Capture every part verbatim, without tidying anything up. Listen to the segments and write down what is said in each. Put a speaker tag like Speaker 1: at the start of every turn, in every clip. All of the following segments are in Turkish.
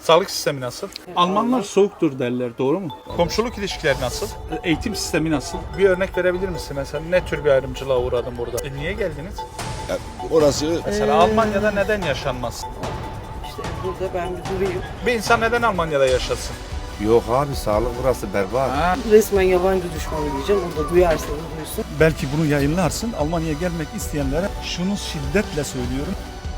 Speaker 1: Sağlık sistemi nasıl?
Speaker 2: Almanlar soğuktur derler, doğru mu?
Speaker 1: Komşuluk ilişkileri nasıl?
Speaker 2: Eğitim sistemi nasıl?
Speaker 1: Bir örnek verebilir misin mesela? Ne tür bir ayrımcılığa uğradın burada? E niye geldiniz?
Speaker 3: Ya orası
Speaker 1: Mesela Almanya'da neden yaşanmaz?
Speaker 4: İşte burada ben bir durayım.
Speaker 1: Bir insan neden Almanya'da yaşasın?
Speaker 3: yok abi, sağlık burası berbat.
Speaker 1: Ha,
Speaker 4: Resmen yabancı düşmanı diyeceğim. O da duyarsa da duysun.
Speaker 5: Belki bunu yayınlarsın. Almanya'ya gelmek isteyenlere şunu şiddetle söylüyorum.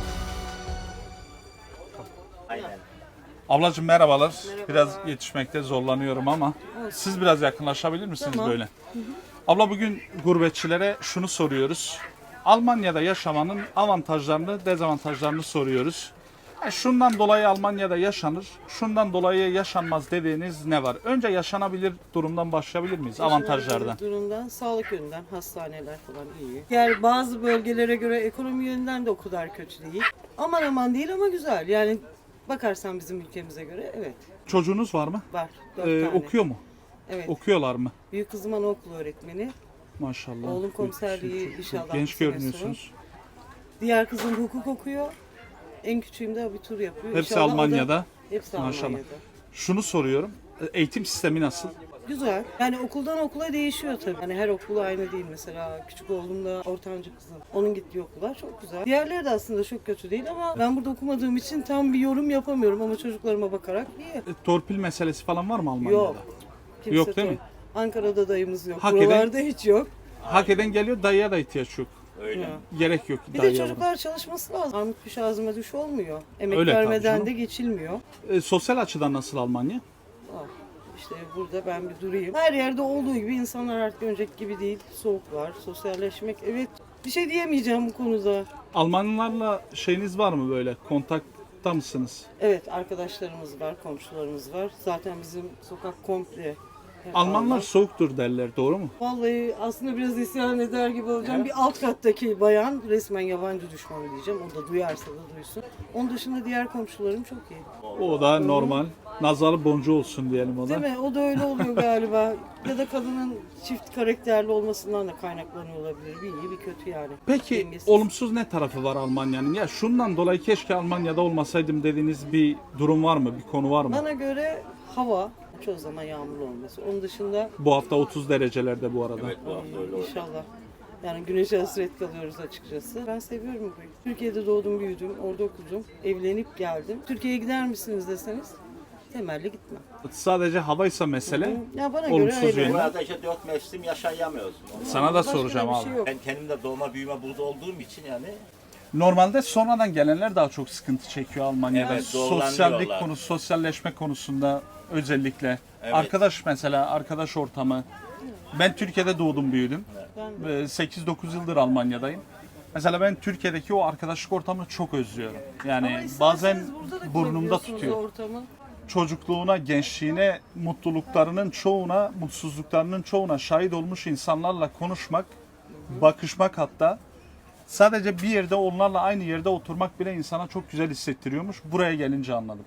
Speaker 1: Ablacığım merhabalar. Biraz yetişmekte zorlanıyorum ama siz biraz yakınlaşabilir misiniz
Speaker 4: Tamam.
Speaker 1: böyle? Abla bugün gurbetçilere şunu soruyoruz. Almanya'da yaşamanın avantajlarını, dezavantajlarını soruyoruz. Yani şundan dolayı Almanya'da yaşanır, şundan dolayı yaşanmaz dediğiniz ne var? Önce yaşanabilir durumdan başlayabilir miyiz? Avantajlardan.
Speaker 4: Durumdan, sağlık yönünden, hastaneler falan iyi. Yani bazı bölgelere göre ekonomi yönünden de o kadar kötü değil. Aman aman değil ama güzel. Yani bakarsan bizim ülkemize göre evet
Speaker 1: Çocuğunuz var mı?
Speaker 4: var. Dört
Speaker 1: Ee,
Speaker 4: tane.
Speaker 1: okuyor mu?
Speaker 4: Evet.
Speaker 1: Okuyorlar mı?
Speaker 4: Büyük kızım anaokulu öğretmeni.
Speaker 1: Maşallah.
Speaker 4: Oğlum komiserliği
Speaker 1: Çok- çok
Speaker 4: inşallah bu
Speaker 1: Genç
Speaker 4: sene
Speaker 1: görünüyorsunuz.
Speaker 4: Diğer kızım hukuk okuyor. En küçüğüm de abitur yapıyor.
Speaker 1: Hepsi
Speaker 4: İnşallah o da-
Speaker 1: Almanya'da.
Speaker 4: Hepsi
Speaker 1: Maşallah.
Speaker 4: Almanya'da.
Speaker 1: Şunu soruyorum. Eğitim sistemi nasıl?
Speaker 4: Güzel. Yani okuldan okula değişiyor tabii. Hani her okul aynı değil mesela. Küçük oğlumla ortanca kızım. Onun gittiği okullar çok güzel. Diğerleri de aslında çok kötü değil ama ben burada okumadığım için tam bir yorum yapamıyorum ama çocuklarıma bakarak iyi.
Speaker 1: E, Torpil meselesi falan var mı Almanya'da?
Speaker 4: Yok. Kimse
Speaker 1: Yok değil mi?
Speaker 4: Ankara'da dayımız yok.
Speaker 1: Hak eden-
Speaker 4: Buralarda hiç yok.
Speaker 1: Hak eden geliyor, dayıya da ihtiyaç yok.
Speaker 4: Ya.
Speaker 1: Gerek yok
Speaker 4: Bir de
Speaker 1: dayıya.
Speaker 4: çocuklar çalışması lazım. Armut piş ağzıma düş olmuyor. Emek
Speaker 1: Öyle tabii
Speaker 4: vermeden
Speaker 1: canım.
Speaker 4: de geçilmiyor.
Speaker 1: E, sosyal açıdan nasıl Almanya?
Speaker 4: Ah, İşte burada ben bir durayım. Her yerde olduğu gibi insanlar artık önceki gibi değil. Soğuk var, sosyalleşmek. Evet, bir şey diyemeyeceğim bu konuda.
Speaker 1: Almanlarla şeyiniz var mı böyle? Kontakta mısınız?
Speaker 4: Evet, arkadaşlarımız var, komşularımız var. Zaten bizim sokak komple. hep
Speaker 1: Almanlar
Speaker 4: Alman.
Speaker 1: soğuktur derler, doğru mu?
Speaker 4: Vallahi aslında biraz isyan eder gibi olacağım. Bir alt kattaki bayan resmen yabancı düşmanı diyeceğim. O da duyarsa da duysun. Onun dışında diğer komşularım çok iyi.
Speaker 1: O da normal. Nazarı boncuğu olsun diyelim o
Speaker 4: Değil
Speaker 1: da.
Speaker 4: mi? O da öyle oluyor galiba. Ya da kadının çift karakterli olmasından da kaynaklanıyor olabilir. Bir iyi bir kötü yani.
Speaker 1: Peki
Speaker 4: Dengesiz.
Speaker 1: olumsuz ne tarafı var Almanya'nın? Ya şundan dolayı keşke Almanya'da olmasaydım dediğiniz bir durum var mı? Bir konu var mı?
Speaker 4: Bana göre hava çoğu zaman yağmurlu olması. Onun dışında
Speaker 1: Bu hafta otuz derecelerde bu arada.
Speaker 4: ay, inşallah. Yani güneşe hasret kalıyoruz açıkçası. Ben seviyorum burayı. Türkiye'de doğdum, büyüdüm, orada okudum. Evlenip geldim. Türkiye'ye gider misiniz deseniz temelli gitmem.
Speaker 1: Sadece havaysa mesele.
Speaker 4: Ya bana göre
Speaker 1: Olumsuz
Speaker 4: öyle.
Speaker 1: yönü.
Speaker 6: Burada işte dört mevsim yaşayamıyoruz.
Speaker 1: Sana da
Speaker 4: Başka
Speaker 1: soracağım
Speaker 4: bir
Speaker 1: abi.
Speaker 4: şey yok.
Speaker 6: Ben kendim de doğma büyüme burada olduğum için yani
Speaker 1: Normalde sonradan gelenler daha çok sıkıntı çekiyor Almanya'da.
Speaker 6: Evet,
Speaker 1: Sosyallik
Speaker 6: zorlanıyorlar.
Speaker 1: konusu, sosyalleşme konusunda özellikle.
Speaker 6: Evet.
Speaker 1: Arkadaş mesela, arkadaş ortamı. Ben Türkiye'de doğdum, büyüdüm.
Speaker 4: Ben
Speaker 1: Ve sekiz dokuz yıldır Almanya'dayım. Mesela ben Türkiye'deki o arkadaşlık ortamını çok özlüyorum. Yani
Speaker 4: Ama isterseniz
Speaker 1: bazen
Speaker 4: burada da
Speaker 1: burnumda
Speaker 4: kurabiliyorsunuz
Speaker 1: tutuyor.
Speaker 4: o ortamı.
Speaker 1: Çocukluğuna, gençliğine, mutluluklarının çoğuna, mutsuzluklarının çoğuna şahit olmuş insanlarla konuşmak, bakışmak hatta sadece bir yerde onlarla aynı yerde oturmak bile insana çok güzel hissettiriyormuş. Buraya gelince anladım.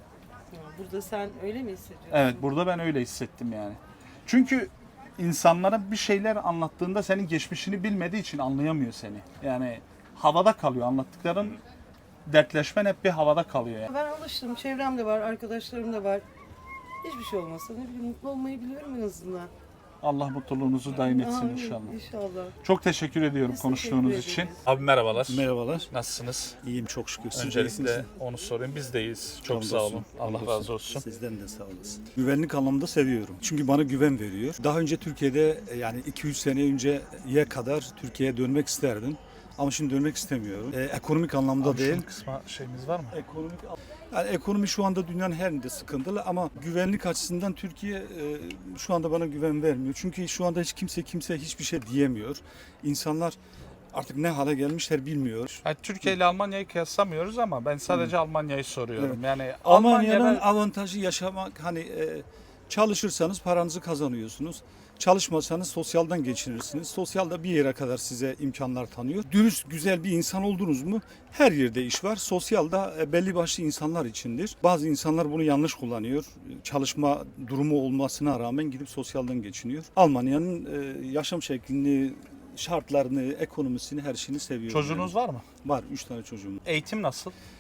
Speaker 4: Burada sen öyle mi hissediyorsun?
Speaker 1: Evet, burada ben öyle hissettim yani. Çünkü insanlara bir şeyler anlattığında senin geçmişini bilmediği için anlayamıyor seni. Yani havada kalıyor anlattıkların, dertleşmen hep bir havada kalıyor yani.
Speaker 4: Ben alıştım. Çevrem de var, arkadaşlarım da var. Hiçbir şey olmasa ne bileyim mutlu olmayı biliyorum en azından.
Speaker 1: Allah mutluluğunuzu daim etsin
Speaker 4: Amin,
Speaker 1: inşallah.
Speaker 4: İnşallah.
Speaker 1: Çok teşekkür ediyorum
Speaker 4: Biz
Speaker 1: konuştuğunuz
Speaker 4: teşekkür
Speaker 1: için.
Speaker 4: ederiz.
Speaker 1: Abi merhabalar.
Speaker 5: Merhabalar.
Speaker 1: Nasılsınız?
Speaker 5: İyiyim çok şükür. Siz
Speaker 1: Öncelikle
Speaker 5: iyisiniz.
Speaker 1: onu sorayım. Biz de iyiyiz. Çok
Speaker 5: Hamdolsun,
Speaker 1: sağ olun. Allah
Speaker 5: hamdolsun.
Speaker 1: razı olsun.
Speaker 5: Sizden de sağ olasın. Güvenlik anlamında seviyorum. Çünkü bana güven veriyor. Daha önce Türkiye'de yani iki üç sene önceye kadar Türkiye'ye dönmek isterdim. Ama şimdi dönmek istemiyorum. Ee, ekonomik anlamda
Speaker 1: Abi
Speaker 5: değil.
Speaker 1: şunun kısma şeyimiz var mı?
Speaker 5: Ekonomik yani ekonomi şu anda dünyanın her yerinde sıkıntılı ama güvenlik açısından Türkiye e, şu anda bana güven vermiyor. Çünkü şu anda hiç kimse kimse hiçbir şey diyemiyor. İnsanlar artık ne hale gelmişler bilmiyor.
Speaker 1: Yani Türkiye ile Almanya'yı kıyaslamıyoruz ama ben sadece Almanya'yı soruyorum.
Speaker 5: Evet.
Speaker 1: Yani
Speaker 5: Almanya'nın
Speaker 1: Almanya'da
Speaker 5: avantajı yaşamak hani e, çalışırsanız paranızı kazanıyorsunuz. Çalışmasanız sosyaldan geçinirsiniz. Sosyal da bir yere kadar size imkanlar tanıyor. Dürüst, güzel bir insan oldunuz mu her yerde iş var. Sosyal da e, belli başlı insanlar içindir. Bazı insanlar bunu yanlış kullanıyor. Çalışma durumu olmasına rağmen gidip sosyaldan geçiniyor. Almanya'nın e, yaşam şeklini, şartlarını, ekonomisini, her şeyini seviyorum.
Speaker 1: çocuğunuz
Speaker 5: yani.
Speaker 1: var mı?
Speaker 5: Var. Üç tane çocuğum.
Speaker 1: Eğitim nasıl?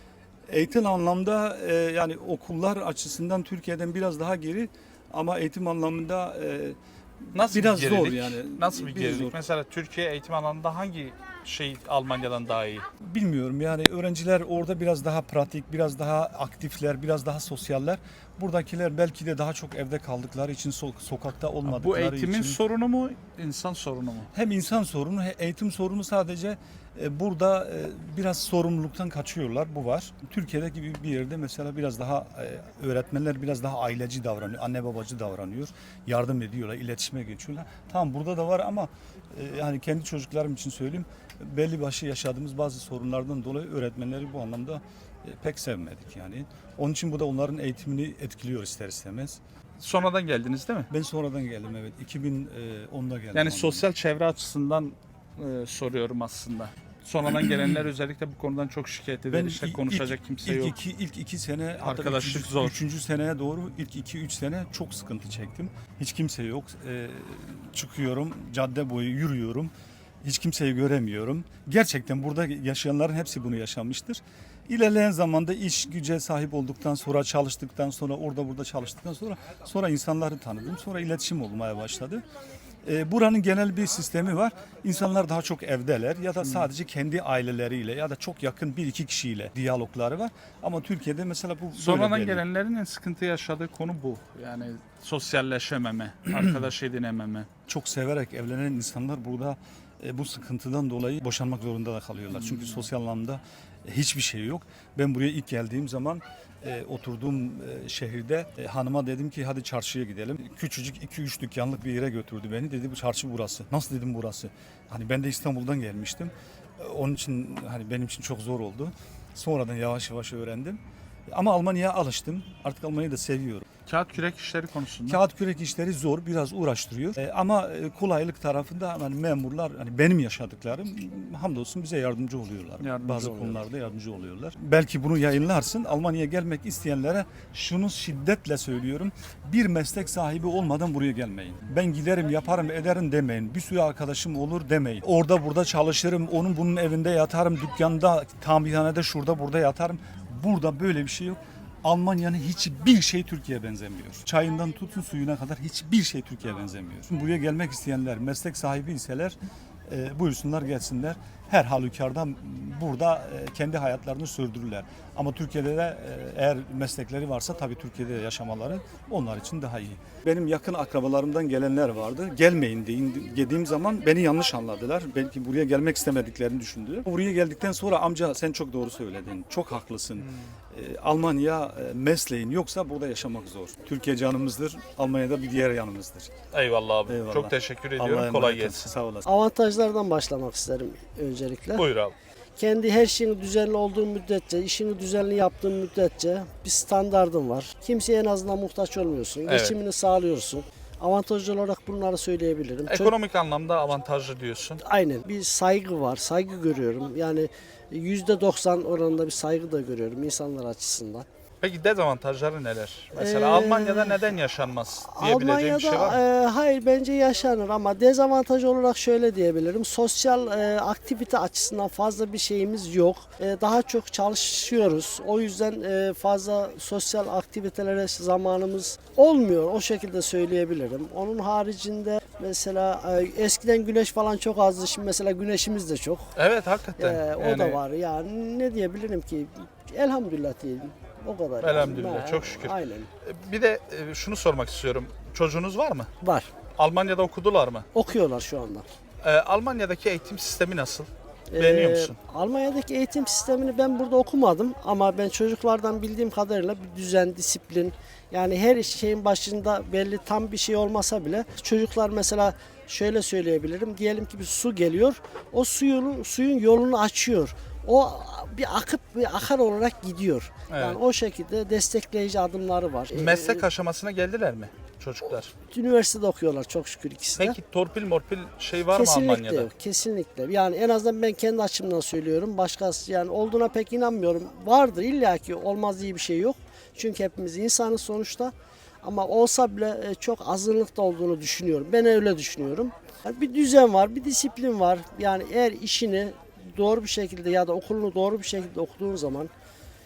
Speaker 5: Eğitim anlamda e, yani okullar açısından Türkiye'den biraz daha geri ama eğitim anlamında e,
Speaker 1: Nasıl
Speaker 5: biraz
Speaker 1: bir
Speaker 5: zor
Speaker 1: gerilik?
Speaker 5: yani.
Speaker 1: Nasıl bir
Speaker 5: Biraz
Speaker 1: gerilik?
Speaker 5: zor.
Speaker 1: Mesela Türkiye eğitim alanında hangi şey Almanya'dan daha iyi?
Speaker 5: Bilmiyorum yani öğrenciler orada biraz daha pratik, biraz daha aktifler, biraz daha sosyaller. Buradakiler belki de daha çok evde kaldıkları için, so- sokakta
Speaker 1: Bu
Speaker 5: olmadıkları
Speaker 1: eğitimin
Speaker 5: için.
Speaker 1: sorunu mu, insan sorunu mu?
Speaker 5: Hem insan sorunu, hem eğitim sorunu sadece e, burada e, biraz sorumluluktan kaçıyorlar. Bu var. Türkiye'de gibi bir yerde mesela biraz daha e, öğretmenler biraz daha aileci davranıyor, anne babacı davranıyor, yardım ediyorlar, iletişime geçiyorlar. Tamam burada da var ama e, yani kendi çocuklarım için söyleyeyim, belli başlı yaşadığımız bazı sorunlardan dolayı öğretmenleri bu anlamda e, pek sevmedik yani. Onun için bu da onların eğitimini etkiliyor ister istemez.
Speaker 1: Sonradan geldiniz değil mi?
Speaker 5: Ben sonradan geldim evet. iki bin onda geldim.
Speaker 1: Yani
Speaker 5: ondan.
Speaker 1: sosyal çevre açısından e, soruyorum aslında. Sonradan gelenler özellikle bu konudan çok şikayet eder. İşte
Speaker 5: ilk-
Speaker 1: konuşacak
Speaker 5: ilk,
Speaker 1: kimse
Speaker 5: ilk
Speaker 1: yok.
Speaker 5: Iki, ilk iki sene hatta
Speaker 1: Arkadaşlık
Speaker 5: üçüncü,
Speaker 1: zor.
Speaker 5: Üçüncü seneye doğru ilk iki üç sene çok sıkıntı çektim. Hiç kimse yok. Ee, çıkıyorum cadde boyu yürüyorum. Hiç kimseyi göremiyorum. Gerçekten burada yaşayanların hepsi bunu yaşamıştır. İlerleyen zamanda iş güce sahip olduktan sonra, çalıştıktan sonra, orada burada çalıştıktan sonra sonra insanları tanıdım. Sonra iletişim olmaya başladı. E, buranın genel bir sistemi var. İnsanlar daha çok evdeler ya da sadece kendi aileleriyle ya da çok yakın bir iki kişiyle diyalogları var. Ama Türkiye'de mesela bu böyle
Speaker 1: Sonradan
Speaker 5: değil.
Speaker 1: gelenlerin en sıkıntı yaşadığı konu bu. Yani sosyalleşememe, arkadaş edinememe.
Speaker 5: Çok severek evlenen insanlar burada e, bu sıkıntıdan dolayı boşanmak zorunda da kalıyorlar. Çünkü sosyal anlamda e, hiçbir şey yok. Ben buraya ilk geldiğim zaman e, oturduğum e, şehirde e, hanıma dedim ki hadi çarşıya gidelim. Küçücük iki üç dükkanlık bir yere götürdü beni. Dedi bu çarşı burası. Nasıl dedim burası? Hani ben de İstanbul'dan gelmiştim. E, onun için hani benim için çok zor oldu. Sonradan yavaş yavaş öğrendim. Ama Almanya'ya alıştım. Artık Almanya'yı da seviyorum.
Speaker 1: Kağıt kürek işleri konusunda.
Speaker 5: Kağıt kürek işleri zor, biraz uğraştırıyor. E, ama e, kolaylık tarafında hani memurlar, hani benim yaşadıklarım hamdolsun bize yardımcı oluyorlar.
Speaker 1: Yardımcı
Speaker 5: Bazı
Speaker 1: oluyorlar.
Speaker 5: konularda yardımcı oluyorlar. Belki bunu yayınlarsın. Almanya'ya gelmek isteyenlere şunu şiddetle söylüyorum. Bir meslek sahibi olmadan buraya gelmeyin. Ben giderim, yaparım, ederim demeyin. Bir sürü arkadaşım olur demeyin. Orada burada çalışırım, onun bunun evinde yatarım, dükkanda, tamirhanede şurada burada yatarım. Burada böyle bir şey yok. Almanya'nın hiçbir şey Türkiye'ye benzemiyor. Çayından tutun suyuna kadar hiçbir şey Türkiye'ye benzemiyor. Buraya gelmek isteyenler, meslek sahibi iseler e, buyursunlar gelsinler. Her halükarda burada e, kendi hayatlarını sürdürürler. Ama Türkiye'de de e, eğer meslekleri varsa tabii Türkiye'de yaşamaları onlar için daha iyi. Benim yakın akrabalarımdan gelenler vardı. Gelmeyin deyin, dediğim zaman beni yanlış anladılar. Belki buraya gelmek istemediklerini düşündüler. Buraya geldikten sonra amca sen çok doğru söyledin. Çok haklısın. E, Almanya e, mesleğin yoksa burada yaşamak zor. Türkiye canımızdır. Almanya'da bir diğer yanımızdır.
Speaker 1: Eyvallah abi.
Speaker 5: Eyvallah.
Speaker 1: Çok teşekkür
Speaker 5: Allah'a
Speaker 1: ediyorum. Kolay
Speaker 5: emanet olun.
Speaker 1: gelsin.
Speaker 5: Sağ olasın.
Speaker 7: Avantajlardan başlamak isterim öncelikle.
Speaker 1: Buyur abi.
Speaker 7: Kendi her şeyini düzenli olduğu müddetçe, işini düzenli yaptığın müddetçe bir standardın var. Kimseye en azından muhtaç olmuyorsun.
Speaker 1: Evet.
Speaker 7: Geçimini sağlıyorsun. Avantajlı olarak bunları söyleyebilirim. Çok-
Speaker 1: Ekonomik anlamda avantajlı diyorsun.
Speaker 7: Aynen. Bir saygı var. Saygı görüyorum. Yani yüzde doksan oranında bir saygı da görüyorum insanlar açısından.
Speaker 1: Peki dezavantajları neler? Mesela
Speaker 7: Ee,
Speaker 1: Almanya'da neden yaşanmaz diyebileceğim bir şey var mı?
Speaker 7: Almanya'da e, hayır bence yaşanır ama dezavantaj olarak şöyle diyebilirim. Sosyal e, aktivite açısından fazla bir şeyimiz yok. E, daha çok çalışıyoruz. O yüzden e, fazla sosyal aktivitelere zamanımız olmuyor. O şekilde söyleyebilirim. Onun haricinde mesela e, eskiden güneş falan çok azdı. Şimdi mesela güneşimiz de çok.
Speaker 1: Evet hakikaten.
Speaker 7: E, o
Speaker 1: Yani
Speaker 7: da var. Yani ne diyebilirim ki? Elhamdülillah diyelim. O kadar. yani.
Speaker 1: Elhamdülillah,
Speaker 7: Ha,
Speaker 1: çok şükür.
Speaker 7: Aynen.
Speaker 1: Bir de e, şunu sormak istiyorum. Çocuğunuz var mı?
Speaker 7: Var.
Speaker 1: Almanya'da okudular mı?
Speaker 7: Okuyorlar şu anda.
Speaker 1: Ee, Almanya'daki eğitim sistemi nasıl? Beğeniyor
Speaker 7: Ee,
Speaker 1: musun?
Speaker 7: Almanya'daki eğitim sistemini ben burada okumadım ama ben çocuklardan bildiğim kadarıyla bir düzen, disiplin, yani her şeyin başında belli tam bir şey olmasa bile çocuklar mesela şöyle söyleyebilirim. Diyelim ki bir su geliyor. O suyun suyun yolunu açıyor. O bir akıp bir akar olarak gidiyor.
Speaker 1: Evet.
Speaker 7: Yani o şekilde destekleyici adımları var. Ee,
Speaker 1: Meslek aşamasına geldiler mi çocuklar?
Speaker 7: Üniversitede okuyorlar çok şükür ikisi de.
Speaker 1: Peki torpil morpil şey var mı
Speaker 7: Kesinlikle
Speaker 1: Almanya'da?
Speaker 7: yok, kesinlikle. Yani en azından ben kendi açımdan söylüyorum. Başkası yani olduğuna pek inanmıyorum. Vardır illaki olmaz diye bir şey yok. Çünkü hepimiz insanız sonuçta. Ama olsa bile e, çok azınlıkta olduğunu düşünüyorum. Ben öyle düşünüyorum. Yani bir düzen var, bir disiplin var. Yani eğer işini doğru bir şekilde ya da okulunu doğru bir şekilde okuduğun zaman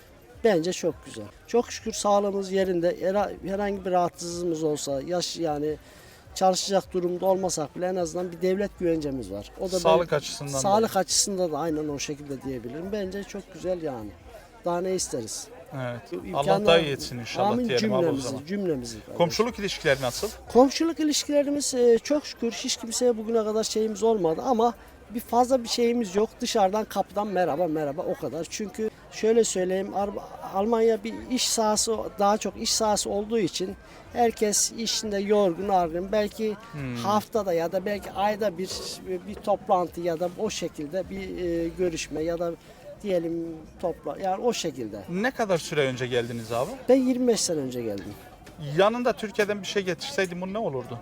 Speaker 7: Bence çok güzel. Çok şükür sağlığımız yerinde. Her- Herhangi bir rahatsızlığımız olsa, yaş yani çalışacak durumda olmasak bile en azından bir devlet güvencemiz var. O da
Speaker 1: Sağlık
Speaker 7: ben-
Speaker 1: açısından da.
Speaker 7: Sağlık açısından da aynen o şekilde diyebilirim. Bence çok güzel yani. Daha ne isteriz?
Speaker 1: Evet.
Speaker 7: İmkanlar-
Speaker 1: Allah daha iyi etsin inşallah
Speaker 7: Amin
Speaker 1: diyelim abi o
Speaker 7: cümlemizi,
Speaker 1: zaman.
Speaker 7: cümlemizi.
Speaker 1: Komşuluk ilişkileri nasıl?
Speaker 7: Komşuluk ilişkilerimiz e, çok şükür hiç kimseye bugüne kadar şeyimiz olmadı ama bir fazla bir şeyimiz yok. Dışarıdan kapıdan merhaba merhaba o kadar. Çünkü şöyle söyleyeyim Ar- Almanya bir iş sahası daha çok iş sahası olduğu için herkes işinde yorgun argın. Belki haftada ya da belki ayda bir bir toplantı ya da o şekilde bir e, görüşme ya da diyelim topla yani o şekilde.
Speaker 1: Ne kadar süre önce geldiniz abi?
Speaker 7: Ben yirmi beş sene önce geldim.
Speaker 1: Yanında Türkiye'den bir şey getirseydin bu ne olurdu?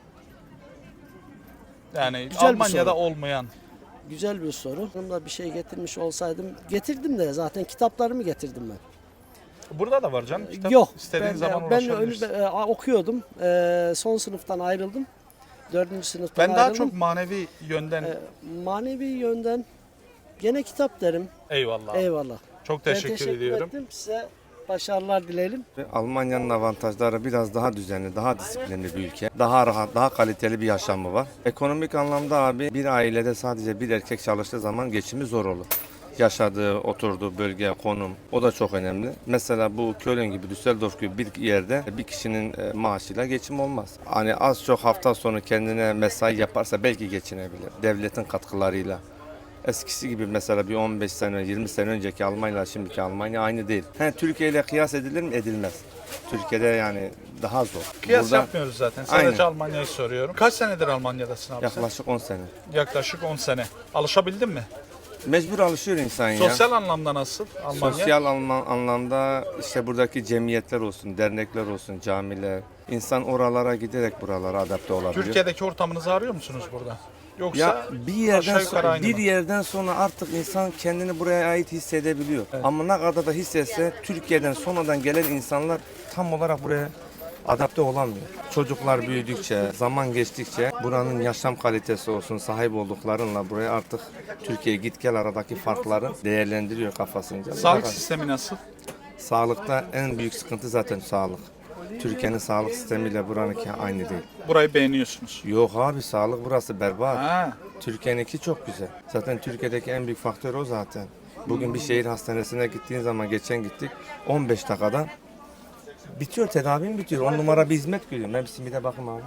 Speaker 1: Yani
Speaker 7: Güzel bir
Speaker 1: Almanya'da
Speaker 7: soru.
Speaker 1: olmayan.
Speaker 7: Güzel bir soru. Yanımda bir şey getirmiş olsaydım getirdim de zaten kitaplarımı getirdim ben.
Speaker 1: Burada da var canım. Kitap
Speaker 7: Yok.
Speaker 1: istediğin
Speaker 7: ben,
Speaker 1: zaman
Speaker 7: ben
Speaker 1: ulaşabilirsin.
Speaker 7: önü- e, okuyordum. E, son sınıftan ayrıldım. Dördüncü sınıftan
Speaker 1: Ben daha
Speaker 7: ayrıldım.
Speaker 1: çok manevi yönden
Speaker 7: E, manevi yönden gene kitap derim.
Speaker 1: eyvallah.
Speaker 7: Eyvallah.
Speaker 1: Çok
Speaker 7: Ben
Speaker 1: teşekkür,
Speaker 7: teşekkür
Speaker 1: ediyorum.
Speaker 7: ettim. Size başarılar dilerim.
Speaker 3: Ve Almanya'nın avantajları biraz daha düzenli, daha disiplinli bir ülke. Daha rahat, daha kaliteli bir yaşamı var. Ekonomik anlamda abi bir ailede sadece bir erkek çalıştığı zaman geçimi zor olur. Yaşadığı, oturduğu bölge, konum o da çok önemli. Mesela bu Köln gibi, Düsseldorf gibi bir yerde bir kişinin e, maaşıyla geçim olmaz. Hani az çok hafta sonu kendine mesai yaparsa belki geçinebilir. Devletin katkılarıyla. Eskisi gibi mesela bir on beş sene, yirmi sene önceki Almanya ile şimdiki Almanya aynı değil. He, Türkiye ile kıyas edilir mi? Edilmez. Türkiye'de yani daha zor.
Speaker 1: Kıyas
Speaker 3: Burada
Speaker 1: yapmıyoruz zaten. Sadece
Speaker 3: Aynen.
Speaker 1: Almanya'yı soruyorum. Kaç senedir Almanya'dasın abi sen?
Speaker 3: yaklaşık on sene.
Speaker 1: Yaklaşık on sene. Alışabildin mi?
Speaker 3: Mecbur alışıyor insan ya.
Speaker 1: Sosyal anlamda nasıl Almanya?
Speaker 3: Sosyal anla- anlamda işte buradaki cemiyetler olsun, dernekler olsun, camiler. İnsan oralara giderek buralara adapte olabiliyor.
Speaker 1: Türkiye'deki ortamınızı arıyor musunuz burada? Yoksa
Speaker 3: Ya bir yerden
Speaker 1: aşağı yukarı
Speaker 3: sonra,
Speaker 1: aynı
Speaker 3: bir
Speaker 1: mı?
Speaker 3: yerden sonra artık insan kendini buraya ait hissedebiliyor. Ama ne kadar da hissetse Türkiye'den sonradan gelen insanlar tam olarak buraya adapte olamıyor. Çocuklar büyüdükçe, zaman geçtikçe buranın yaşam kalitesi olsun, sahip olduklarınla buraya artık Türkiye git gel aradaki farkları değerlendiriyor kafasınca.
Speaker 1: Sağlık
Speaker 3: Fakat
Speaker 1: sistemi nasıl?
Speaker 3: Sağlıkta en büyük sıkıntı zaten sağlık. Türkiye'nin sağlık sistemiyle buranınki aynı değil.
Speaker 1: Burayı beğeniyorsunuz.
Speaker 3: Yok abi sağlık burası berbat.
Speaker 1: Ha.
Speaker 3: Türkiye'ninki çok güzel. Zaten Türkiye'deki en büyük faktör o zaten. Bugün bir şehir hastanesine gittiğin zaman geçen gittik on beş dakikada bitiyor, tedavim bitiyor. On numara bir hizmet görüyorum. Ben bir simide bakayım abi.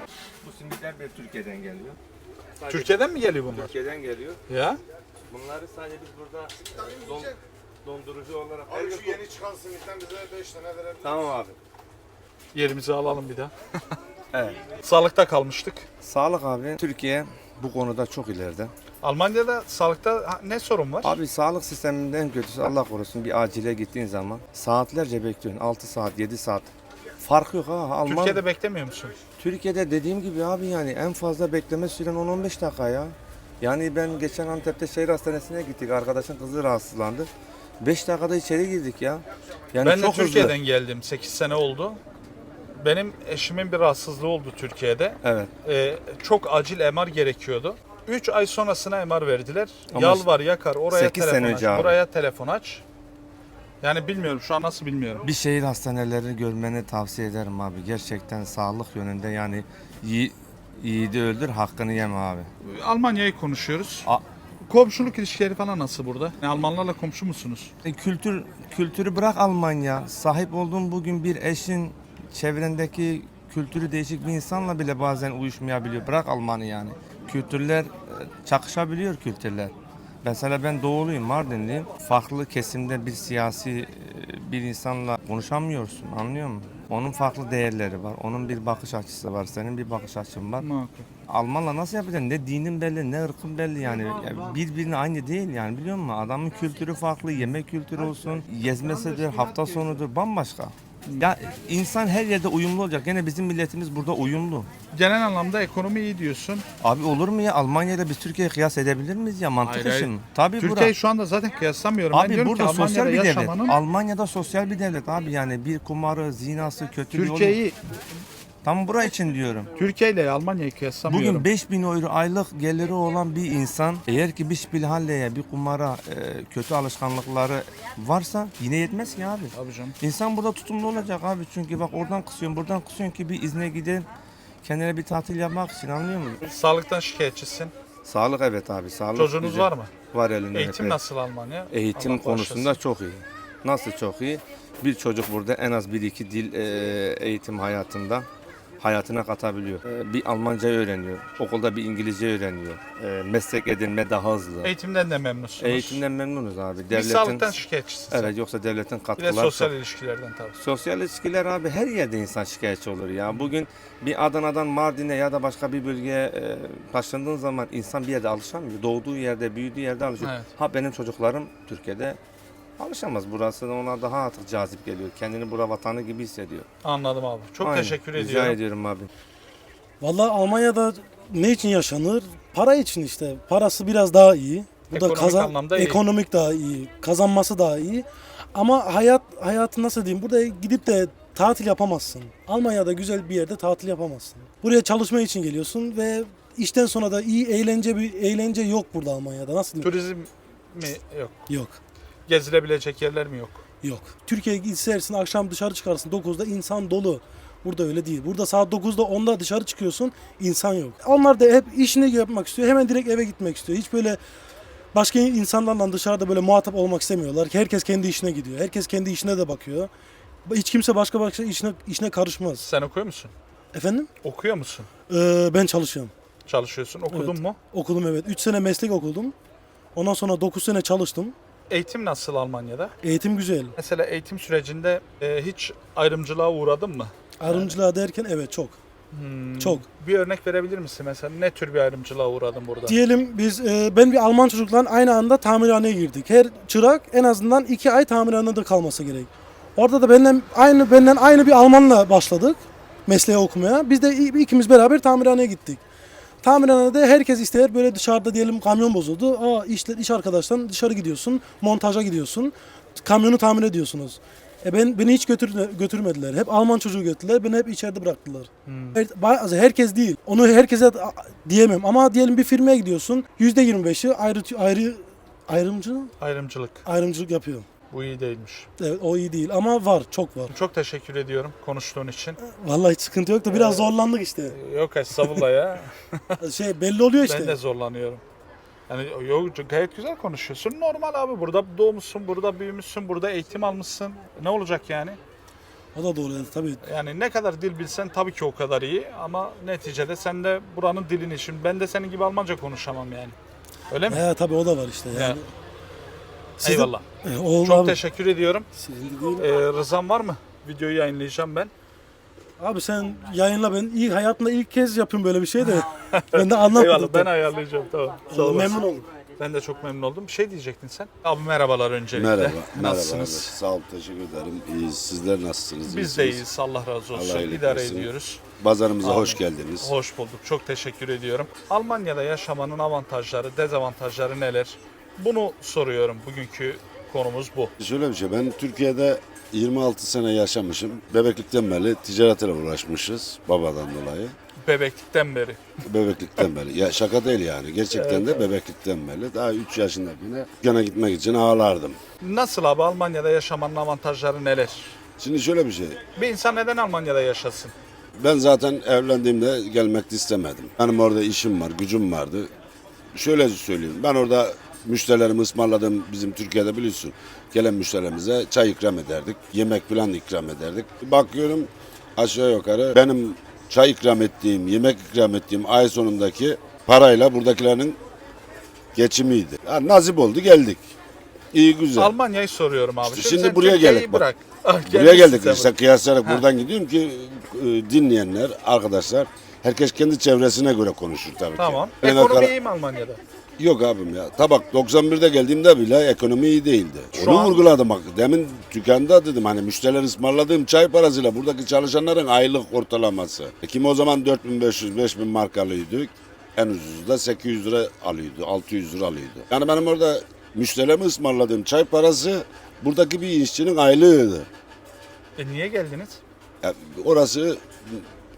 Speaker 3: Bu simitler de Türkiye'den geliyor. Sadece
Speaker 1: Türkiye'den mi geliyor bunlar?
Speaker 3: Türkiye'den geliyor.
Speaker 1: Ya.
Speaker 3: Bunları sadece biz burada e, don, dondurucu olarak...
Speaker 8: Abi şu yeni çıkan simitten bize beş tane verebilir.
Speaker 3: Tamam abi.
Speaker 1: Yerimizi alalım bir daha.
Speaker 3: Evet.
Speaker 1: Sağlıkta kalmıştık.
Speaker 3: Sağlık abi. Türkiye bu konuda çok ileride.
Speaker 1: Almanya'da sağlıkta ha, ne sorun var?
Speaker 3: Abi sağlık sisteminde en kötüsü Allah korusun bir acile gittiğin zaman saatlerce bekliyorsun. altı saat, yedi saat. Fark yok ha. Alman...
Speaker 1: Türkiye'de beklemiyor musun?
Speaker 3: Türkiye'de dediğim gibi abi yani en fazla bekleme süren on on beş dakika ya. Yani ben geçen Antep'te şehir hastanesine gittik. Arkadaşın kızı rahatsızlandı. beş dakikada içeri girdik ya. Yani
Speaker 1: Ben de
Speaker 3: çok
Speaker 1: Türkiye'den
Speaker 3: hızlı.
Speaker 1: geldim. sekiz sene oldu. Benim eşimin bir rahatsızlığı oldu Türkiye'de.
Speaker 3: Evet.
Speaker 1: Ee, çok acil M R gerekiyordu. üç ay sonrasına M R verdiler.
Speaker 3: Ama
Speaker 1: Yalvar yakar oraya
Speaker 3: sekiz sene
Speaker 1: telefon aç,
Speaker 3: önce abi.
Speaker 1: buraya telefon aç. Yani bilmiyorum şu an nasıl bilmiyorum.
Speaker 3: Bir şehir hastaneleri görmeni tavsiye ederim abi. Gerçekten sağlık yönünde yani yi, yiğidi öldür hakkını yeme abi.
Speaker 1: Almanya'yı konuşuyoruz.
Speaker 3: A-
Speaker 1: Komşuluk ilişkileri falan nasıl burada? Yani Almanlarla komşu musunuz?
Speaker 3: E, kültür kültürü bırak Almanya. Sahip olduğun bugün bir eşin çevrendeki kültürü değişik bir insanla bile bazen uyuşmayabiliyor. Bırak Almanı yani. Kültürler e, çakışabiliyor kültürler. Mesela ben doğuluyum, Mardinliyim. Farklı kesimde bir siyasi e, bir insanla konuşamıyorsun, anlıyor musun? Onun farklı değerleri var, onun bir bakış açısı var, senin bir bakış açın var.
Speaker 1: Muhakkak.
Speaker 3: Almanla nasıl yapacaksın? Ne dinin belli, ne ırkın belli yani. Ya birbirine aynı değil yani biliyor musun? Adamın kültürü farklı, yemek kültürü olsun, gezmesidir, hafta sonudur, bambaşka. Ya insan her yerde uyumlu olacak. Gene bizim milletimiz burada uyumlu.
Speaker 1: Genel anlamda ekonomi iyi diyorsun.
Speaker 3: Abi olur mu ya? Almanya'yla biz Türkiye'ye kıyas edebilir miyiz ya? Mantık
Speaker 1: Hayır,
Speaker 3: işi
Speaker 1: hayır.
Speaker 3: mi? Tabii
Speaker 1: Türkiye'yi
Speaker 3: bura.
Speaker 1: şu anda zaten kıyaslamıyorum. ben
Speaker 3: Abi
Speaker 1: diyorum
Speaker 3: burada
Speaker 1: ki
Speaker 3: sosyal
Speaker 1: Almanya'da
Speaker 3: bir devlet.
Speaker 1: yaşamanın
Speaker 3: Almanya'da sosyal bir devlet abi yani bir kumarı, zinası, kötü bir
Speaker 1: Türkiye'yi
Speaker 3: Tam bura için diyorum.
Speaker 1: Türkiye ile Almanya'yı kıyaslamıyorum.
Speaker 3: Bugün beş bin euro aylık geliri olan bir insan eğer ki bir şpilhalleye, bir kumara, e, kötü alışkanlıkları varsa yine yetmez ki abi.
Speaker 1: Tabii canım.
Speaker 3: İnsan burada tutumlu olacak abi. Çünkü bak oradan kısıyorsun, buradan kısıyorsun ki bir izne gidin. Kendine bir tatil yapmak için, anlıyor musun?
Speaker 1: Sağlıktan şikayetçisin.
Speaker 3: Sağlık evet abi. Sağlık
Speaker 1: Çocuğunuz
Speaker 3: güzel.
Speaker 1: var mı?
Speaker 3: Var elinde.
Speaker 1: Eğitim
Speaker 3: evet.
Speaker 1: nasıl Almanya?
Speaker 3: Eğitim
Speaker 1: Allah
Speaker 3: konusunda
Speaker 1: bağışlasın.
Speaker 3: çok iyi. Nasıl çok iyi? Bir çocuk burada en az bir iki dil e, eğitim hayatında hayatına katabiliyor. E, bir Almanca öğreniyor. Okulda bir İngilizce öğreniyor. E, meslek edinme daha hızlı.
Speaker 1: Eğitimden de memnunsunuz.
Speaker 3: Eğitimden memnunuz abi.
Speaker 1: Bir
Speaker 3: Devletin
Speaker 1: sağlıktan şikayetçisin sen.
Speaker 3: Evet, yoksa devletin
Speaker 1: Bir de
Speaker 3: katkıları
Speaker 1: sosyal
Speaker 3: çok.
Speaker 1: ilişkilerden tabii.
Speaker 3: Sosyal ilişkiler abi her yerde insan şikayetçi olur ya. Bugün bir Adana'dan Mardin'e ya da başka bir bölgeye e, taşındığın zaman insan bir yerde alışamıyor. Doğduğu yerde, büyüdüğü yerde alışıyor.
Speaker 1: Evet.
Speaker 3: Ha benim çocuklarım Türkiye'de alışamaz. Burası da ona daha artık cazip geliyor. Kendini bura vatanı gibi hissediyor.
Speaker 1: Anladım abi. Çok
Speaker 3: Aynen.
Speaker 1: teşekkür
Speaker 3: Rica
Speaker 1: ediyorum.
Speaker 3: ediyorum abi.
Speaker 9: Vallahi Almanya'da ne için yaşanır? Para için işte. Parası biraz daha iyi. Bu
Speaker 1: Ekonomik
Speaker 9: da kazan
Speaker 1: anlamda iyi.
Speaker 9: ekonomik daha iyi. Kazanması daha iyi. Ama hayat hayatı nasıl diyeyim? Burada gidip de tatil yapamazsın. Almanya'da güzel bir yerde tatil yapamazsın. Buraya çalışma için geliyorsun ve işten sonra da iyi eğlence bir eğlence yok burada Almanya'da. Nasıl diyeyim?
Speaker 1: Turizm mi? Yok.
Speaker 9: Yok.
Speaker 1: Gezilebilecek yerler mi yok?
Speaker 9: Yok. Türkiye'ye gitsersin akşam dışarı çıkarsın dokuzda insan dolu. Burada öyle değil. Burada saat dokuzda onda dışarı çıkıyorsun insan yok. Onlar da hep işini yapmak istiyor. Hemen direkt eve gitmek istiyor. Hiç böyle başka insanlarla dışarıda böyle muhatap olmak istemiyorlar. Herkes kendi işine gidiyor. Herkes kendi işine de bakıyor. Hiç kimse başka başka işine, işine karışmaz.
Speaker 1: Sen okuyor musun?
Speaker 9: Efendim?
Speaker 1: Okuyor musun?
Speaker 9: Ee, ben çalışıyorum.
Speaker 1: Çalışıyorsun. Okudun
Speaker 9: Evet.
Speaker 1: mu?
Speaker 9: Okudum evet. üç sene meslek okudum. Ondan sonra dokuz sene çalıştım.
Speaker 1: Eğitim nasıl Almanya'da?
Speaker 9: Eğitim güzel.
Speaker 1: Mesela eğitim sürecinde e, hiç ayrımcılığa uğradın mı?
Speaker 9: Ayrımcılığa derken evet çok.
Speaker 1: Hmm,
Speaker 9: Çok.
Speaker 1: Bir örnek verebilir misin? Mesela ne tür bir ayrımcılığa uğradın burada?
Speaker 9: Diyelim biz e, ben bir Alman çocukla aynı anda tamirhaneye girdik. Her çırak en azından iki ay tamirhanede kalması gerek. Orada da benden aynı benden aynı bir Almanla başladık mesleği okumaya. Biz de ikimiz beraber tamirhaneye gittik. Tamirhanede herkes ister böyle dışarıda diyelim kamyon bozuldu. Aa işte iş arkadaştan dışarı gidiyorsun, montaja gidiyorsun. Kamyonu tamir ediyorsunuz. E ben beni hiç götür, götürmediler. Hep Alman çocuğu götürdüler. Beni hep içeride bıraktılar. Her, bazı herkes değil. Onu herkese diyemem ama diyelim bir firmaya gidiyorsun. yüzde yirmi beşi ayrı ayrı ayrımcı
Speaker 1: Ayrımcılık.
Speaker 9: ayrımcılık yapıyor.
Speaker 1: Bu iyi değilmiş.
Speaker 9: Evet o iyi değil ama var, çok var.
Speaker 1: Çok teşekkür ediyorum konuştuğun için.
Speaker 9: Vallahi hiç sıkıntı yok da biraz zorlandık işte.
Speaker 1: Yok estağfurullah ya.
Speaker 9: Şey belli oluyor işte.
Speaker 1: Ben de zorlanıyorum. Yani yok gayet güzel konuşuyorsun. Normal abi burada doğmuşsun, burada büyümüşsün, burada eğitim almışsın. Ne olacak yani?
Speaker 9: O da doğru tabii.
Speaker 1: Yani ne kadar dil bilsen tabii ki o kadar iyi ama neticede sen de buranın dilini şimdi ben de senin gibi Almanca konuşamam yani. Öyle mi?
Speaker 9: He tabii o da var işte yani.
Speaker 1: Ya.
Speaker 9: Siz de-
Speaker 1: Eyvallah.
Speaker 9: E, oldu
Speaker 1: Çok
Speaker 9: abi.
Speaker 1: teşekkür ediyorum.
Speaker 9: Sizin de değil.
Speaker 1: Ee, rızan var mı? Videoyu yayınlayacağım ben.
Speaker 9: Abi sen yayınla, ben ilk hayatımda ilk kez yapıyorum böyle bir şey de. Ben de anlatmadım.
Speaker 1: Eyvallah ben ayarlayacağım tamam. Sağ olasın.
Speaker 9: Memnun oldum.
Speaker 1: Ben de çok memnun oldum. Bir şey diyecektin sen. Abi merhabalar öncelikle.
Speaker 8: Merhaba. Merhaba. Evet,
Speaker 1: Nasılsınız?
Speaker 8: sağ olun, teşekkür ederim. İyiyiz. Sizler nasılsınız?
Speaker 1: Biz
Speaker 8: İyisiniz?
Speaker 1: de iyiyiz. Allah razı olsun.
Speaker 8: Allah iyilik
Speaker 1: İdare
Speaker 8: versin.
Speaker 1: ediyoruz.
Speaker 8: Pazarımıza
Speaker 1: Amin.
Speaker 8: hoş geldiniz.
Speaker 1: Hoş bulduk. Çok teşekkür ediyorum. Almanya'da yaşamanın avantajları, dezavantajları neler? Bunu soruyorum. Bugünkü konumuz bu.
Speaker 8: Şöyle bir şey, ben Türkiye'de yirmi altı sene yaşamışım. Bebeklikten beri ticaretle uğraşmışız babadan dolayı.
Speaker 1: Bebeklikten beri.
Speaker 8: Bebeklikten beri. Ya şaka değil yani. Gerçekten de bebeklikten beri. Daha üç yaşındakine dükkana gitmek için ağlardım.
Speaker 1: Nasıl abi Almanya'da yaşamanın avantajları neler?
Speaker 8: Şimdi şöyle bir şey.
Speaker 1: Bir insan neden Almanya'da yaşasın?
Speaker 8: Ben zaten evlendiğimde gelmek de istemedim. Benim orada işim var, gücüm vardı. Şöyle söyleyeyim. Ben orada müşterilerimi ısmarladım. Bizim Türkiye'de biliyorsun. Gelen müşterilerimize çay ikram ederdik. Yemek falan ikram ederdik. Bakıyorum aşağı yukarı benim çay ikram ettiğim, yemek ikram ettiğim ay sonundaki parayla buradakilerin geçimiydi. Ha, nasip oldu geldik. İyi güzel.
Speaker 1: Almanya'yı soruyorum abi.
Speaker 8: İşte şimdi
Speaker 1: sen
Speaker 8: buraya
Speaker 1: Türkiye'yi
Speaker 8: geldik bak.
Speaker 1: bırak. Ah,
Speaker 8: Buraya
Speaker 1: gelmişsin
Speaker 8: geldik
Speaker 1: sen
Speaker 8: işte kıyaslayarak buradan gidiyorum ki e, dinleyenler, arkadaşlar herkes kendi çevresine göre konuşur tabii
Speaker 1: Tamam.
Speaker 8: ki. Yani
Speaker 1: Ekonomi
Speaker 8: kara-
Speaker 1: iyi mi Almanya'da?
Speaker 8: Yok abim ya. Tabak doksan birde geldiğimde bile ekonomi iyi değildi.
Speaker 1: Şu
Speaker 8: Onu
Speaker 1: an-
Speaker 8: vurguladım bak. Demin dükkanda dedim hani müşteriler ısmarladığım çay parasıyla buradaki çalışanların aylık ortalaması. E, Kimi o zaman dört bin beş yüz beş bin mark alıyordu. En ucuzu da sekiz yüz lira alıyordu. altı yüz lira alıyordu. Yani benim orada müşterilerime ısmarladığım çay parası buradaki bir işçinin aylığıydı.
Speaker 1: E niye geldiniz?
Speaker 8: Yani orası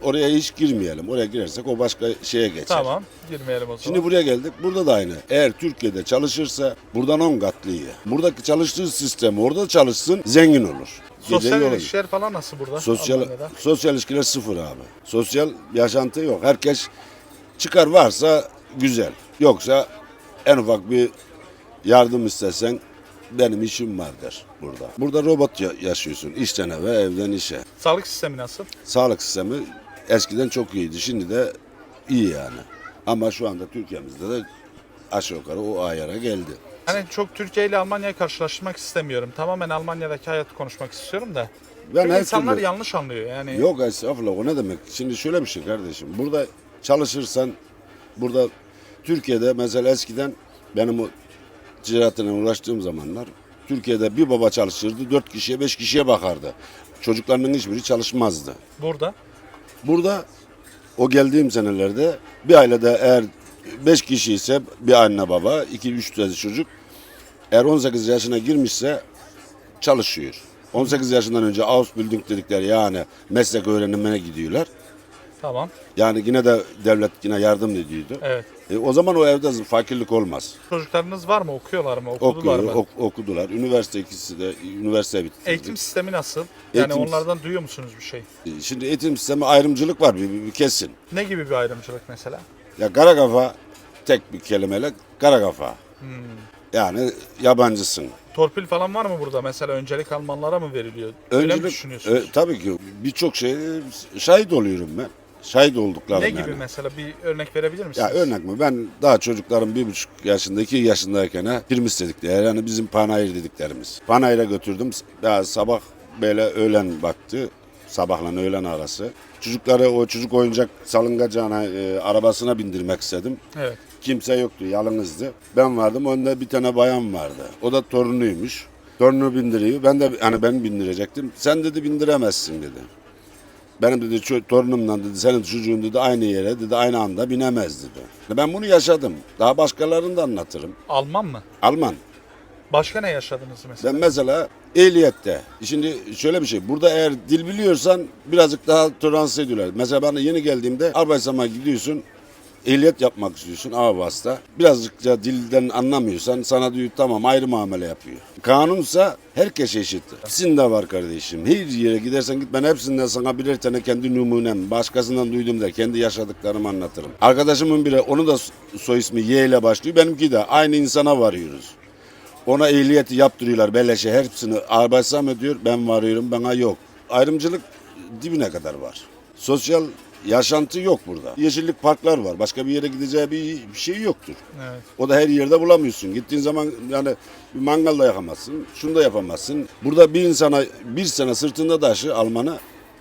Speaker 8: oraya hiç girmeyelim. Oraya girersek o başka şeye geçer.
Speaker 1: Tamam. Girmeyelim o zaman.
Speaker 8: Şimdi buraya geldik. Burada da aynı. Eğer Türkiye'de çalışırsa buradan on katlı iyi. Buradaki çalıştığı sistem orada çalışsın, zengin olur.
Speaker 1: Sosyal
Speaker 8: Gece yolu-
Speaker 1: ilişkiler falan nasıl burada?
Speaker 8: Sosyal,
Speaker 1: Almanya'da?
Speaker 8: sosyal ilişkiler sıfır abi. Sosyal yaşantı yok. Herkes çıkar varsa güzel. Yoksa en ufak bir yardım istesen benim işim var der burada. Burada robot ya- yaşıyorsun. İşten eve, evden işe.
Speaker 1: Sağlık sistemi nasıl?
Speaker 8: Sağlık sistemi eskiden çok iyiydi. Şimdi de iyi yani. Ama şu anda Türkiye'mizde de aşağı yukarı o ayara geldi.
Speaker 1: Hani çok Türkiye ile Almanya'yı karşılaştırmak istemiyorum. Tamamen Almanya'daki hayatı konuşmak istiyorum da.
Speaker 8: Ben
Speaker 1: Çünkü
Speaker 8: her
Speaker 1: insanlar
Speaker 8: türlü-
Speaker 1: yanlış anlıyor yani.
Speaker 8: Yok estağfurullah, o ne demek? Şimdi şöyle bir şey kardeşim. Burada çalışırsan burada Türkiye'de mesela eskiden benim o ticaretle uğraştığım zamanlar Türkiye'de bir baba çalışırdı, dört kişiye beş kişiye bakardı. Çocuklarının hiçbiri çalışmazdı.
Speaker 1: Burada
Speaker 8: Burada o geldiğim senelerde bir ailede eğer beş kişi ise bir anne baba, iki üç tane çocuk eğer on sekiz yaşına girmişse çalışıyor. on sekiz yaşından önce Ausbildung dedikleri yani meslek öğrenimine gidiyorlar.
Speaker 1: tamam.
Speaker 8: Yani yine de devlet yine yardım ediyordu.
Speaker 1: Evet.
Speaker 8: E, o zaman o evde fakirlik olmaz.
Speaker 1: Çocuklarınız var mı? Okuyorlar mı? Okudular
Speaker 8: Okuyor,
Speaker 1: mı?
Speaker 8: ok- okudular. Üniversite ikisi de üniversite bitti.
Speaker 1: Eğitim sistemi nasıl? Yani
Speaker 8: Eğitim-
Speaker 1: onlardan duyuyor musunuz bir şey?
Speaker 8: Şimdi eğitim sistemi ayrımcılık var bir, bir, bir kesin.
Speaker 1: Ne gibi bir ayrımcılık mesela?
Speaker 8: Ya kara kafa tek bir kelimeyle kara kafa.
Speaker 1: Hmm.
Speaker 8: Yani yabancısın.
Speaker 1: Torpil falan var mı burada? Mesela öncelik Almanlara mı veriliyor? Öyle mi
Speaker 8: Öncelik,
Speaker 1: düşünüyorsunuz?
Speaker 8: e, tabii ki birçok şey şahit oluyorum ben. Şahit olduklarım
Speaker 1: ne
Speaker 8: yani.
Speaker 1: gibi mesela bir örnek verebilir misiniz?
Speaker 8: Ya örnek mi? Ben daha çocuklarım bir buçuk yaşında, iki yaşındayken ha, firmis dedikleri yani bizim panayır dediklerimiz. Panayır'a götürdüm. Ya sabah böyle öğlen baktı. Sabahla öğlen arası. Çocukları o çocuk oyuncak salıngacağına e, arabasına bindirmek istedim.
Speaker 1: Evet.
Speaker 8: Kimse yoktu, yalnızdı. Ben vardım, önde bir tane bayan vardı. O da torunuymuş. Torunu bindiriyor. Ben de hani ben bindirecektim. Sen dedi bindiremezsin dedi. Benim dedi ço- torunumla dedi senin çocuğun dedi aynı yere dedi aynı anda binemez dedi. Ben bunu yaşadım. Daha başkalarını da anlatırım.
Speaker 1: Alman mı?
Speaker 8: Alman.
Speaker 1: Başka ne yaşadınız mesela?
Speaker 8: Ben mesela ehliyette. Şimdi şöyle bir şey. Burada eğer dil biliyorsan birazcık daha tolerans ediyorlar. Mesela ben yeni geldiğimde Arbeitsam'a gidiyorsun. Ehliyet yapmak istiyorsun A vasıta. Birazcık da dilden anlamıyorsan sana diyor tamam ayrı muamele yapıyor. Kanunsa herkes eşit. Hepsinde var kardeşim. Her yere gidersen git ben hepsinden sana birer tane kendi numunem. Başkasından duydum da kendi yaşadıklarımı anlatırım. Arkadaşımın biri onun da soy ismi Y ile başlıyor. Benimki de aynı insana varıyoruz. Ona ehliyeti yaptırıyorlar beleşe hepsini Arbeitsam ediyor. Ben varıyorum bana yok. Ayrımcılık dibine kadar var. Sosyal yaşantı yok burada. Yeşillik parklar var. Başka bir yere gideceği bir bir şey yoktur.
Speaker 1: Evet.
Speaker 8: O da her yerde bulamıyorsun. Gittiğin zaman yani bir mangal da yakamazsın. Şunu da yapamazsın. Burada bir insana bir sene sırtında taşı Alman'a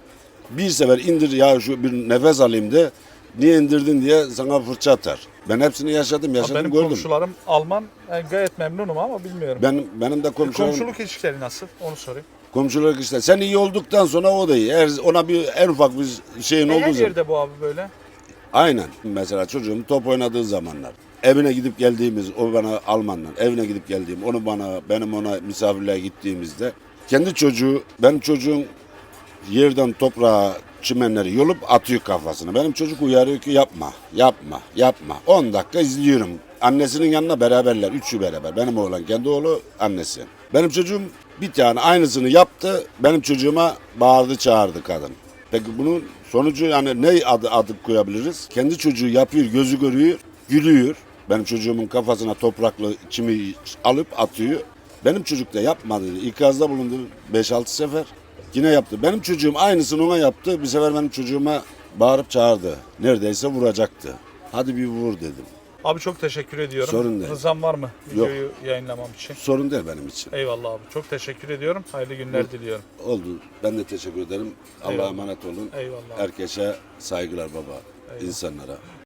Speaker 8: bir sefer indir ya şu bir nefes alayım de niye indirdin diye sana fırça atar. Ben hepsini yaşadım, yaşadım,
Speaker 1: Benim
Speaker 8: gördüm.
Speaker 1: komşularım Alman. Yani gayet memnunum ama bilmiyorum.
Speaker 8: Benim, benim de komşularım,
Speaker 1: Komşuluk ilişkileri nasıl? Onu sorayım.
Speaker 8: komşular işte sen iyi olduktan sonra o da iyi. Eğer ona bir en ufak bir şeyin
Speaker 1: E,
Speaker 8: olduğu
Speaker 1: her
Speaker 8: zaman.
Speaker 1: yerde bu abi böyle.
Speaker 8: Aynen. Mesela çocuğum top oynadığı zamanlar. Evine gidip geldiğimiz, o bana Almanla, evine gidip geldiğim, onu bana, benim ona misafirliğe gittiğimizde kendi çocuğu, benim çocuğum yerden toprağa çimenleri yolup atıyor kafasına. Benim çocuk uyarıyor ki yapma, yapma, yapma. on dakika izliyorum. Annesinin yanına beraberler, üçü beraber. Benim oğlan, kendi oğlu, annesi. Benim çocuğum bir tane aynısını yaptı. Benim çocuğuma bağırdı, çağırdı kadın. Peki bunun sonucu yani ne adı, adı koyabiliriz? Kendi çocuğu yapıyor, gözü görüyor, gülüyor. Benim çocuğumun kafasına topraklı çimi alıp atıyor. Benim çocuk da yapmadı. İkazda bulundu beş altı sefer. Yine yaptı. Benim çocuğum aynısını ona yaptı. Bir sefer benim çocuğuma bağırıp çağırdı. Neredeyse vuracaktı. Hadi bir vur dedim.
Speaker 1: Abi çok teşekkür ediyorum.
Speaker 8: Sorun değil.
Speaker 1: Rızam var mı videoyu yayınlamam için?
Speaker 8: Sorun değil benim için.
Speaker 1: Eyvallah abi. Çok teşekkür ediyorum. Hayırlı günler diliyorum.
Speaker 8: Oldu. Ben de teşekkür ederim. Allah'a
Speaker 1: Eyvallah.
Speaker 8: emanet olun.
Speaker 1: Eyvallah.
Speaker 8: Herkese saygılar baba.
Speaker 1: Eyvallah.
Speaker 8: İnsanlara.